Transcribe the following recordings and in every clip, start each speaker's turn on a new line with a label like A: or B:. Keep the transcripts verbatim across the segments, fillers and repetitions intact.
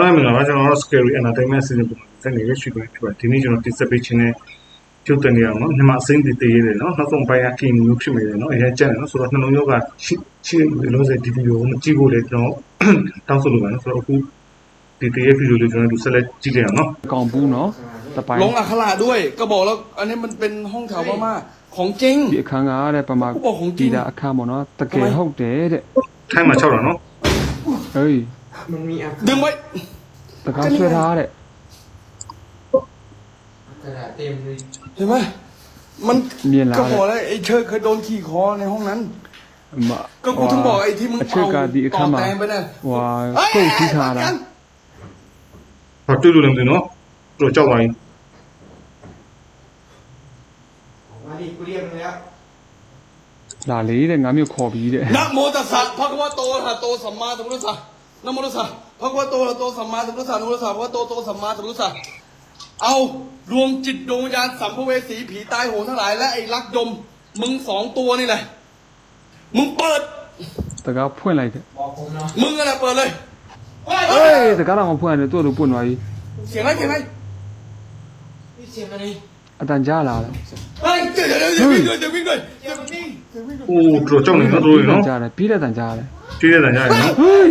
A: အားမင်္ဂလာပါကျွန်တော်တို့ Scary Entertainment Season ပုံစံနဲ့ရရှိခွင့်ဖြစ်ပါတယ်ဒီနေ့ကျွန်တော်တင်ဆက်ပေးခြင်းနဲ့ကျုပ်တင်နေအောင်နော်မြန်မာအစိမ်းတည်တည်ရတယ်နော်နောက်ဆုံးပိုင်းအကင်မျိုးဖြစ်နေတယ်နော်အရင်ကျန်တယ်နော်ဆိုတော့နှလုံးရောဂါရှိရှိနေလို့ဆိုဒီဗီဒီယိုကိုမကြည့်ဖို့လေကျွန်တော်တောင်းဆိုလိုပါတယ်ဆိုတော့အခုဒီတည်းရဲ့ဗီဒီယိုလေးကျွန်တော်တို့ဆက်လက်ကြည့်ကြအောင်နော်
B: ကောင်ဘူးနော်တပိုင်း
C: ลงอักขระด้วยก็บอกแล้วอันนี้มันเป็นห้องแถวพม่าของจริง
B: ဒီအခန်းကတဲ့ပမာဒီတာအခန်းပေါ့နော်တကယ်ဟုတ်တယ်တဲ့
A: ထိုင်းမှာ၆တာနော်
B: ဟေး
C: มันมีดึงไว้
B: ตะกร้าဆွဲထားတဲ့
C: กระดาษเต็มเลยเห็นไหมมันก็บอกแล้วไอ้เชิดเคยโดนขี่คอในห้องนั้นก็กูถึงบอกไอ้ที่มึงเอาต่อแตงไปน่ะ
B: ว้าကုတ်ကြီးထားတာ
A: ဘာတွေ့လို့လဲမသိနော်တို့ကြောက်ပါရင်
C: มาดิกูเรียกมึงแล้ว
B: လာလေတဲ့ငါမျိုးခေါ်ပြီးတဲ့
C: นะโมตัสสะภะคะวะโตอะระหะโตสัมมาสัมพุทธัสสะนะโมตัสสะภะคะวะโตอะระหะโตสัมมาสัมพุทธัสสะนะโมตัสสะภะคะวะโตโตสัมมาสัมพุทธัสสะเอาดวงจิตดวงวิญญาณสัมภเวสีผีตายโหงทั้งหลายและไอ้ลักดมมึงสองตัวนี่แหละมึงเปิด
B: ตะกร้าဖွင့်လိုက်တဲ့
C: มึงอะไรเปิดเลย
B: เฮ้ยตะกร้าတော့မဖွင့်ရတယ်သူ့လိုပွင့်သွားပြီ
C: เสียงอะไรเสียงอะไรนี่เสียงอะไร
B: အတန်ကြားလာတယ်
C: เฮ้ยเดี๋ยวเดี๋ยวเดี๋ยววิ่งเลยเดี๋ยววิ่งเลยเดี๋ยววิ่งเดี๋ยววิ่งเลย
A: โอ้တို့ကြောက်နေနော်တို့နော်
B: ကြားတယ်ပြီးတဲ့တန်ကြားတယ်
A: ပြီးတဲ့တန်ကြားရနော်
B: ဟေး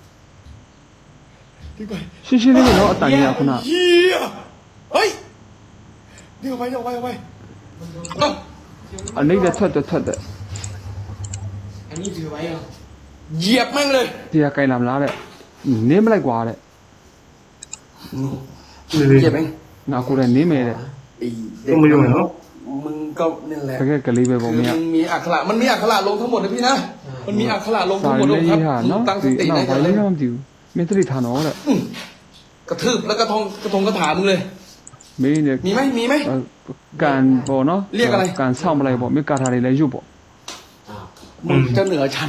B: ရှင်းရှင်းလေးနော်အတန်ကြီးကခုန
C: เฮียเฮ้ยเดี๋ยวไปเดี๋ยวไปเดี๋ยวไป
B: အနိမ့်တဲ့ထွက်တဲ့ထွက်တဲ့
C: อันนี้ถือไว้เหรอเหยียบแม่งเลย
B: ဒီကကြိုင်လာမလားတဲ့နင်းမလိုက်ကွာတဲ့
C: เหยียบเอง
B: ငါကိုယ်လည်းနင်းမယ်တဲ့
A: တော့မယုံနဲ့နော်
C: มึงก็นี่แหละ
B: တကယ်ကလေးပဲပေါ့မင်း
C: มันมีอักขระมันมีอักขระลงทั้งหมดนะพี่นะมันมีอักขระลงทั้งหมดเลยครับตั้งสติได้
B: เลยไม่ต้องดิวမင်းတတိထားနော်တဲ့
C: กระทืบแล้วกระทงกระทงกระถามึงเลย
B: မင်းเนี่ย
C: มีไหมมีไหม
B: การပေါ့နော်
C: เรียกอะไร
B: การဆောင်းမလိုက်ပေါ့မင်းကာထားလေးလည်းရုပ်ပေါ့
C: มึงจะเหนือฉัน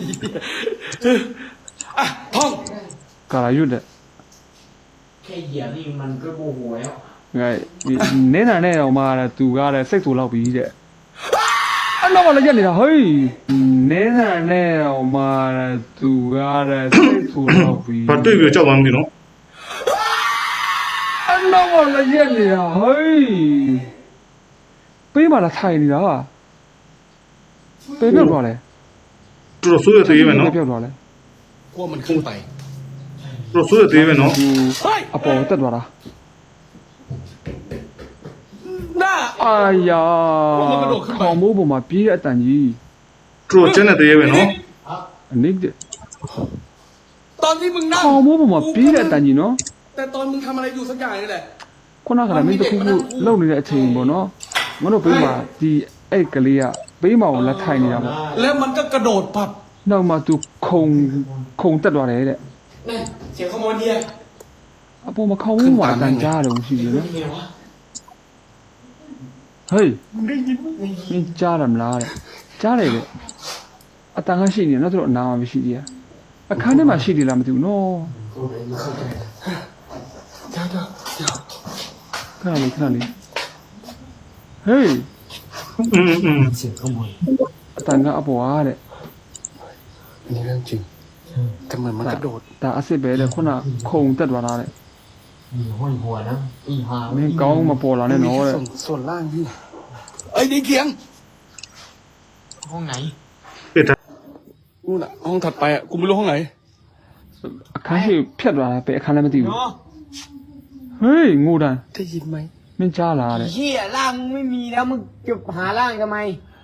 C: อ่ะท่อง
B: ကာလာရုပ်တဲ့
C: แค่เหยียบนี่มันก็โมโหแล้ว
B: ငါနင်းနာနဲ့တော့မှသူကလည်းစိတ်ဆူလောက်ပြီးတဲ့အနောက်မှာလည်းရက်နေတာဟေးနင်းနာနဲ့တော့မှသူကလည်းစိတ်ဆူလောက်ပြီး
A: ဘာတွေ့ပြီးကြောက်မှမသိနော်
B: အနောက်မှာလည်းရက်နေတာဟေးပေးမှလာထိုင်နေတာပေးပြောက်သွားလဲ
A: တို့ဆိုးရသေးမယ်နော်
B: ပြောက်သွားလဲ
C: กลัวมันขึ้นไป
A: တို့ဆိုးရသေးမယ်နော်
B: အပေါ်တက်သွားတာ
C: น่า
B: အာယာခေါင်းမိုးပေါ်မှာပြေးတဲ့အတန်ကြီး
A: တို့ကျန်တဲ့သေးပဲနော်
B: အနိတဲ့
C: ตอนที่มึงนั่ง
B: ခေါင်းမိုးပေါ်မှာပြေးတဲ့အတန်ကြီးနော်
C: แต่ตอนมึงทำอะไรอยู่สักอย่างนี่แหละ
B: ခုနကလည်းမင်းတခုခုလှုပ်နေတဲ့အချိန်ပေါ့နော်မင်းတို့ဘေးမှာဒီအဲ့ကလေးကဘေးမှာကိုလက်ထိုင်နေတာပေါ့
C: แล้วมันก็กระโดดปับ
B: နောက်မှသူခုံခုံတက်သွားတယ်တဲ့
C: นี่เสียงขโมยเนี่ย
B: အပေါ်မှာခေါင်းမိုးမှာအတန်ကြားတယ်ရှိတယ်နော်ဟေး
C: มึงได้ยินมั้ย
B: မင်းကြားတယ်မလားတဲ့ကြားတယ်တဲ့အတန်ကရှိနေနော်သူတို့အနာမှာမရှိသေးဘူးအခန်းထဲမှာရှိသေးလားမသိဘူးနော်
C: เดี๋ยวเดี๋ยวเดี๋ยว
B: ခဏလေးခဏလေးဟေး
A: อืมอืม
C: เสียงขโมย
B: အတန်ကအပေါ်အားတဲ့
C: อันนี้เรื่องจริงแต่เหมือนมันกระโดด
B: ဒါအစ်စ်ပဲတဲ့ခုနခုံတက်သွားတာတဲ့
C: มีห้อยหัวนะอีหา
B: မင်းကောင်းမပေါ်လာနဲ့နော်တဲ့
C: ส่วนล่างพี่ไอ้ดีเคียงห้องไหนนู่นน่ะห้องถัดไปอ่ะกูไม่รู้ห้องไหน
B: အခန်းရှိဖြတ်သွားတာပဲအခန်းလည်းမသိဘူးเฮ้ยงูดัน
C: ได้ยินไหม
B: မင်းကြားလာတဲ့
D: เหี้ยร่างมึงไม่มีแล้วมึงจะหาร่างทำไม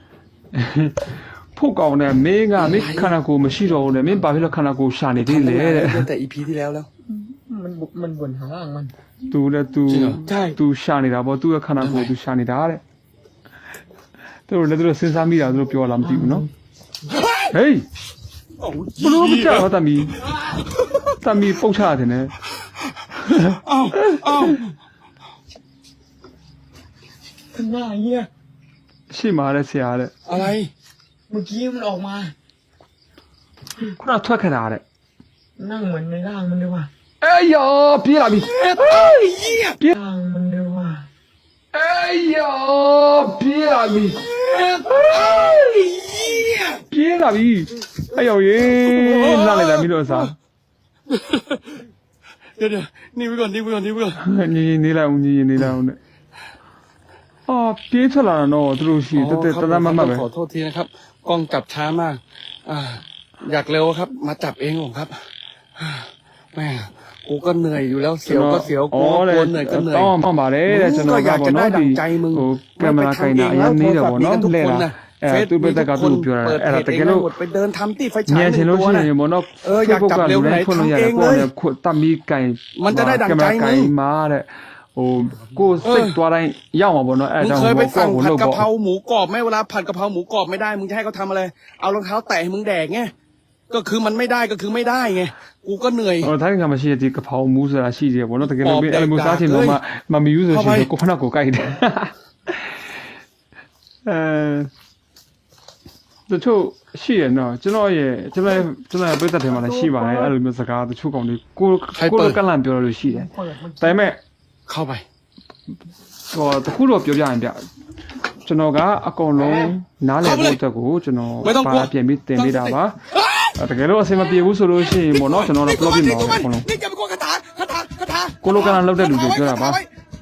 B: ဖို့ကောင်းတယ်မင်းကမင်းခန္ဓာကိုယ်မရှိတော့ဘူးလေမင်းဘာဖြစ်လို့ခန္ဓာကိုယ်ရှာနေသေးလဲတဲ့
C: แต่ อี พี ที่แล้วแล้ว
D: มันมันบ่นหาร่างมัน
B: သူလည်းသူသူရှာနေတာပေါ့သူ့ရဲ့ခန္ဓာကိုယ်သူရှာနေတာတဲ့သူတို့လည်းသူတို့စဉ်းစားမိတာသူတို့ပြောလာမသိဘူးနော်ဟေးဘလို့မကြောက်တမီတမီပုတ်ချတယ်နဲ့
C: อ้าวอ้าว
D: ทำหน้าเหี้ย
B: ရှိမှာတဲ့ဆရာတဲ့
C: อะไร
D: เมื่อกี้มันออกมา
B: ခုနထွက်ခတာတဲ့
D: นั่งเหมือนในร่างมันเลยว่ะ
B: အေးယောပြေးလာပြီ
D: ပြေးร่างมันเลยว่ะ
B: အေးယောပြေးလာပြီပြေးလာပြီအဲ့ယောရေလာလိုက်တာမင်းတို့အစား
C: ดี๋ยวเดี๋ยวนี่ไปก่อนนี่ไปก่อนนี่ไปก่อน
B: ညီညီနေလိုက်အောင်ညီညီနေလိုက်အောင်နဲ့အော်ပြေးထွက်လာတော့သူတို့ရှိတက်တက်တတမမပဲ
C: ขอโทษทีนะครับกล้องจับช้ามากอ่าอยากเร็วครับ มาจับเองผมครับแม่กูก็เหนื่อยอยู่แล้วเสียวก็เสียวกูก็เหนื่อยก็เหนื่อย
B: တောင်းမှပါတယ်တဲ့ကျွန်တော်ကပေါ့နော်ဒီဟိုကင်မရာခိုင်တာအရင်နေတယ်ပေါ့နော်လဲတာအဲသူ့ဘက်ကသူ့ပြောတာအဲ့ဒါတကယ်လို့
C: ไปเดินทำที่ไฟฉาย
B: ညချင်လို့ရှိရင်ပေါ့နော်
C: เอออยากจับเร็วไหน
B: ဖွင့်လို့ရ
C: ทำเอ
B: တယ်
C: ง
B: ကို
C: เล
B: ယ်
C: ย
B: လည်းခွတ်တတ်ပြီးကင်
C: มันจะได้ดั่งใจมึง
B: ကင်မရာမာတဲ့ဟိုကိုစိတ်သွားတိုင်းရောက်မှာပေါ့နော်အဲ့
C: มึง
B: ဒါ
C: เค
B: ကြော
C: ย
B: င့်
C: ไป
B: ကို
C: สั่ง
B: ကို
C: ผัด
B: လုပ်
C: กะ
B: ပေါ့
C: เพราหมูกรอบไหมเวลาผัดกะเพราหมูกรอบไม่ได้มึงจะให้เขาทำอะไรเอารองเท้าแตะให้มึงแดกไงก็คือมันไม่ได้ก็คือไม่ได้ไงกูก็เหนื่อย
B: ဟိုတိုင်းကမရှိတဲ့ဒီကဖောင်မူးဆိုတာရှိတယ်ပေါ့နော်တကယ်လို့အဲ့လိုမျိုးစားချင်တော့မှမမီယူဆိုရှင်ကိုဖနာကိုကြိုက်တယ်အဲတချို့ရှိရနော်ကျွန်တော်ရဲ့ကျွန်တော်ကျွန်တော်ပြတ်တဲ့ထဲမှာလည်းရှိပါတယ်အဲ့လိုမျိုးစကားတချို့ကောင်တွေကိုကိုလိုကလန်ပြောလို့ရှိတယ်ဒါပေမဲ့
C: เข้าไป
B: ဟိုတခုတော့ပြောပြရင်ပြကျွန်တော်ကအကုန်လုံးနားလည်ဖို့အတွက်ကိုကျွန်တော်ပါပြင်ပြီးတင်ပေးတာပါတကယ်လို့အဆင်မပြေဘူးဆိုလို့ရှိရင်ပေါ့နော်ကျွန်တော်တို့ plot ပြင်ပါမယ်အကုန်လုံး
C: นี่จะเป็นคนคาถาคาถาคาถา
B: ကိုလိုကလန်လောက်တဲ့လူတွေပြောတာပါ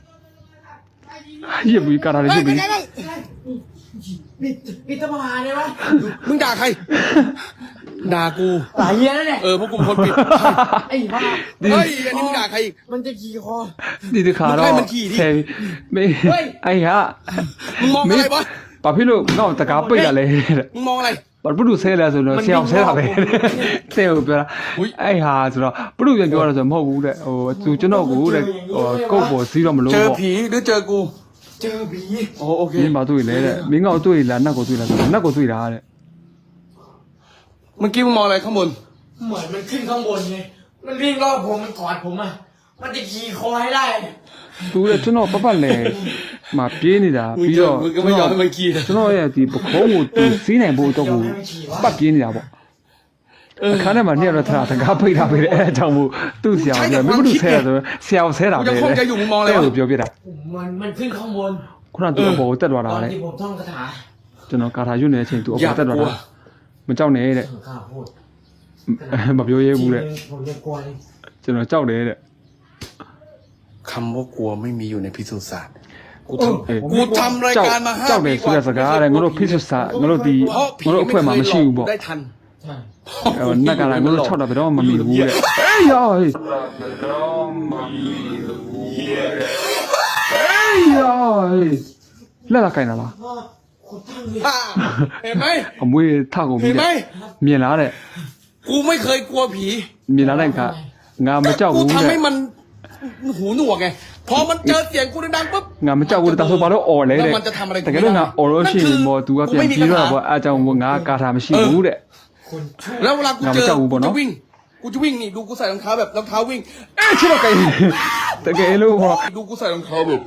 B: ရစ်ပြီးကာတာတွေရစ်ပြီး
D: ปิดปิดสภาเลยวะ
C: มึงด่าใครด่ากู
D: ตายเหี้ยแล้วเนี่ย
C: เออพวกกูเป็นคนผิด
D: ไอ้บ้า
C: เฮ้ยอันนี้มึงด่าใครอีก
D: มันจะขี่คอ
B: ဒီတခါတော့
C: မင်းขี่ดิ
B: ဆယ်မေးအဲ့ဟာ
C: มึงมองอะไรวะ
B: ဘာဖြစ်လို့ငေါ့တကားပိတ်ရလဲတဲ့
C: มึงมองอะไร
B: ဘာပုဒ်ဆဲလဲဆိုတော့ဆရာအောင်ဆဲတာပဲဆဲကိုပြောတာအဲ့ဟာဆိုတော့ပုဒ်ပြန်ပြောတာဆိုမဟုတ်ဘူးတဲ့ဟိုသူကျွန်တော်ကိုတဲ့ဟိုကုတ်ပေါ်စီးတော့မလို့
C: เจอ
B: ပေါ့
C: ผีหรือเจอกู
D: เจอผี
C: โอ้โอเค
B: မင်းမတွေ့လေတဲ့မင်းငေါ့တွေ့လားနတ်ကိုတွေ့လားဆိုတော့နတ်ကိုတွေ့တာတဲ့
C: เมื่อกี้มึงมองอะไรข้างบน
D: เหมือนมันขึ้นข้างบนไงมันวิ่งรอบผมมันกอดผมอ่ะมันจะขี่คอให้ได้
B: သူတဲ့ကျွန်တော်ပပတ်လဲမပြေးနေတာ
C: มึง
B: ပြီး
C: เจอ
B: တော့
C: มึงก็ไม่ยอมให้มันขี่
B: ကျွန်တော်ရဲ့ဒီပခုံးကိုသူစီးနိုင်ဖို့တော့ကိုပတ်ပြေးနေတာပေါ့အခါထဲမှာနှစ်ရက်တော့ထားတကားပိတ်တာပဲအဲ့အကြောင်းမို့သူ့ဆရာကပြောမင်းတို့ဆဲတာဆိုဆရာကိုဆဲတာပဲတဲ့ကိုပြောပြတာ
D: มันมันขึ้นข้างบน
B: ခုနကသူအပေါ်ကိုတက်သွား
D: ต
B: တာ
D: อน
B: လေ
D: ที่ผมท่องคาถา
B: ကျွန်တော်ကာထာရွတ်နေတဲ့အချိန်သူအ
C: อย่า
B: ပေါ်တက်သွား
C: กลัว
B: တာမကြောက်နဲ့တဲ့
D: ผมกล้าพูด
B: မပြောရဲဘူးတဲ့
D: ผมจะกลัวเลย
B: ကျွန်တော်ကြောက်တယ်တဲ့
C: คำว่ากลัวไม่มีอยู่ในพิสูจน์ศาสตร์กู
B: เออ
C: ทำกูทำรายการมาห้า
B: ကြောက်တ
C: ปี
B: ယ်ဆိုတဲ့စကားတဲ့ငါတို့ဖိစစ်စာငါတို့ဒီ
C: เพราะผี
B: ငါတို့အ
C: ไม่
B: ခွင့်
C: เค
B: မှာ
C: ย
B: မရှိ
C: หล
B: ဘူး
C: อก
B: ပေါ့
C: ได้ทัน
D: ใช่
B: ဟိုနက်ကလာငါတို့၆တာဘယ်တော့မှမမီဘူးတဲ့အေးရောဟေးအေးရောဟေးလက်လာခိုင်းတာလား
D: พ่อคุณตั้งเลย
C: อ่าเห็นไหม
B: အမွေးထကုန်ပြီ
C: เห็นไหม
B: တဲ့မြင်လားတဲ့
C: กูไม่เคยกลัวผี
B: မြင်လားတဲ့ကငါမကြောက်
C: กู
B: ဘူး
C: ทำ
B: တဲ့
C: ให้มันหูหนวกไง พอมันเจอเสียงกูดังๆปุ๊บ
B: ငါမကြောက်ဘူးတဲ့ဒါဆိုဘာလို့អော်လဲ
C: แล้
B: တဲ့
C: วมันจะทำอะไร
B: တကယ်လို့ငါអော်လို့ရှိရင်မော် तू ကပြန်ပြီးတော့ပေါ့အားကြောင့်ငါကာထာမရှိဘူးတဲ့
D: คนชั่ว
C: แล้วเวลากู
B: งาน
C: เจ
B: มัน
C: อ
B: เจ้าอู่
C: กู
B: บ่เน
C: จะ
B: อะ
C: วิ่ง กูจะวิ่งนี่ดูกูใส่รองเท้าแบบรองเท้าวิ่ง
B: အေးချစ်တော့ကိတကယ်လို့ဟော
C: ดูกูใส่รองเท้าแบบ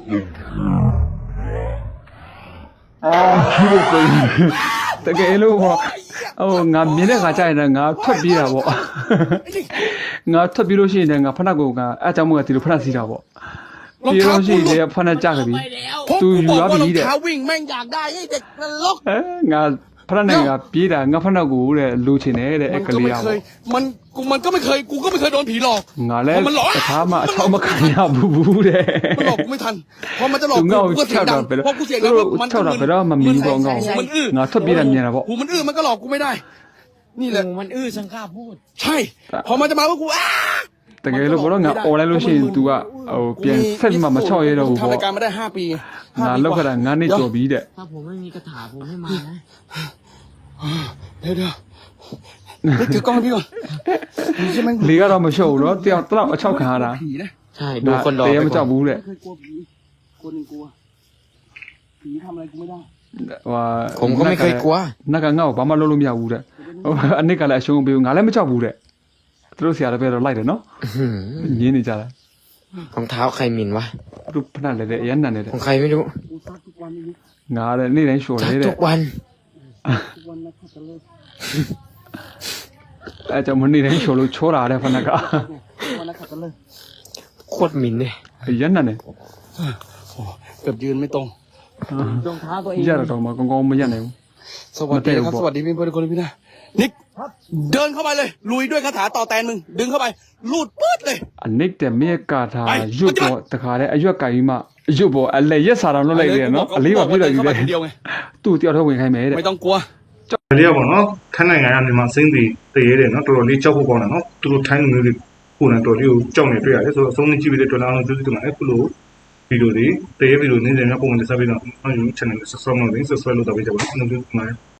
B: အာချစ်တော့ကိတကယ်လို့ဟောဟိုငါမြင်တဲ့ခါကျရင်ငါထွက်ပြေးတာပေါ့ငါထွက်ပြေးလို့ရှိရင်ငါဖနက်ကိုငါအားကြောင့်မို့ဒီလိုဖနက်စီးတာပေါ့ပြေးလို့ရှိရင်ဖနက်ကြကြပြီ
C: เพราะ
B: သူ
C: กู
B: ယူ
C: บอก
B: ရ
C: ว่า
B: ပြီ
C: รอง
B: တဲ့
C: เท้าวิ่งแม่งอยากได้ไอ้เด็กนรก
B: အဲငါဖနက်နဲ့ငါပြေးတာငါဖနက်ကိုတဲ့လိုချင်တယ်တဲ့
C: มั
B: အဲ့
C: น
B: က
C: ก็
B: လေး
C: ไม่
B: อ่ะ
C: เคย มันกูมันก็ไม่เคย กูก็ไม่เคยโดนผีหลอก
B: ငါလဲ
C: มันหลอก
B: တခါမှအချောက်မခံရဘူးဘူးတဲ့
C: มันหลอกกูไม่ทัน พอมันจะหลอก
B: သူ
C: กู
B: ငါ့
C: กู
B: ကို
C: ก็เสีย
B: ချော
C: ง
B: က်
C: ดั
B: တာ
C: ง
B: ပဲ
C: พอกูเสียง
B: သူ
C: ดัง
B: တို့
C: มัน
B: ချောက်တာပဲတော့မမီဘူးပေါ့ငါ့ကို
C: มันอื้อ
B: ငါထွက်ပြေးတာမြင်တာပေါ့
C: หูมันอื้อมันก็หลอกกูไม่ได้ นี่แหละ
D: โอ้มันอื้อฉันกล้าพูด
C: ใช่ พอมันจะมาว่ากูอ้า
B: တကယ်လို့ဘောတော့ငါអော်လိုက်လို့ရှိရင် तू ကဟိုပြန်ဆက်မှမချောက်ရတော့ဘူး
C: ทำ
B: ပေါ့
C: รายการมาได้ห้าปี
B: ငါလောက်ခတာငါနှစ်ကျော်ပြီတဲ့
D: ถ้าผมไม่มีคาถาผมไม่มานะ
C: เดี๋ยวเดี๋ยวเฮ้ยถือกล้องให้พี่ก่อนนี่ใช่ไหม
B: လေကတော့မရှုပ်ဘူးနော်တယောက်တလောက်အချောက်ခံရတာ
C: ผีนะ
D: ใช่ดูคนรอ
B: တ
D: ไป
B: ကယ်မ
D: ก่
B: ကြော
D: อ
B: อน กဘူးတဲ့
C: ไม่เคยกลัวผีคนหนึ่งกลัวผีทำอะไรกูไม่ได้
B: ဟို
D: ผมก็ไม่เคยกลัว
B: နက်ကငါ့ကိုဘာမှလုပ်လို့မရဘူးတဲ့ဟိုအနစ်ကလည်းအရှုံးပေးဘူးငါလည်းမကြောက်ဘူးတဲ့သူတို့ဆရာလည်းပဲတော့လိုက်တယ်နော်
D: อื้อหือ
B: ညင်းနေကြတာ
D: รองเท้าใครหมิ่นวะ
B: သူတို့ဖနက်လည်းတဲ့အရန်နန်နေတဲ့
D: ของใครไม่รู้
C: กูซักทุกวันนี้
B: ငါလည်းနေ့တိုင်းရှော်
D: ซั
B: နေ
D: ก
B: တဲ့
D: ทุกวัน
C: ทุกวันนะขัดจะเลิก
B: အဲကြောင့်မနေ့တိုင်းရှော်လို့ချောတာတဲ့ဖနက်က
C: ทุกวันนะขัดจะเลิก
D: โคตรหมิ่นเลย
B: အရန်နန်နေ
C: โอ้เกือบยืนไม่ตรง
D: รองเท้าตัวเอง
B: ရတော့တော့မကောင်းကောင်းမရက်နိုင်ဘူး
C: สวัสดีนะครับสวัสดีพี่เพื่อนคนพี่นะนิกเดินเข้าไปเลยลุยด้วยคาถาต่อแตนมึงดึงเข้าไปลูดปื๊ดเลย
B: အနိတ်တဲ့မြေကာထာရွတ်ပေါ်တခါလေအရွက်ကင်မှာရွတ်ပေါ်အလဲရက်စာတော်လွတ်လိုက်တယ်နော်အလေးပါပြည့်လိုက်ပြီလေသူ့တယောက်တော့ဝင်ခိုင်းမယ်တဲ့
C: ไม่ต้องกลัว
A: ဒါလေးကပေါ့နော်ထိုင်းနိုင်ငံကမြန်မာစိမ့်တွေတရေတယ်နော်တော်တော်လေးကြောက်ဖို့ကောင်းတယ်နော်သူတို့ထိုင်းလူမျိုးတွေကိုယ်နဲ့တော်လေးကိုကြောက်နေတွေ့ရတယ်ဆိုတော့အဆုံးနဲ့ကြည့်ပြီးတဲ့တော်လားအောင်သူတို့ကလည်းခုလိုဗီဒီယိုတွေတရေဗီဒီယိုနင်းနေများပုံမှန်တက်ဆက်ပြီးတော့ YouTube channel ကို subscribe လုပ်နေ subscribe လုပ်တော့ပေးကြပါဦးကျွန်တော်တို့ဒီမှာ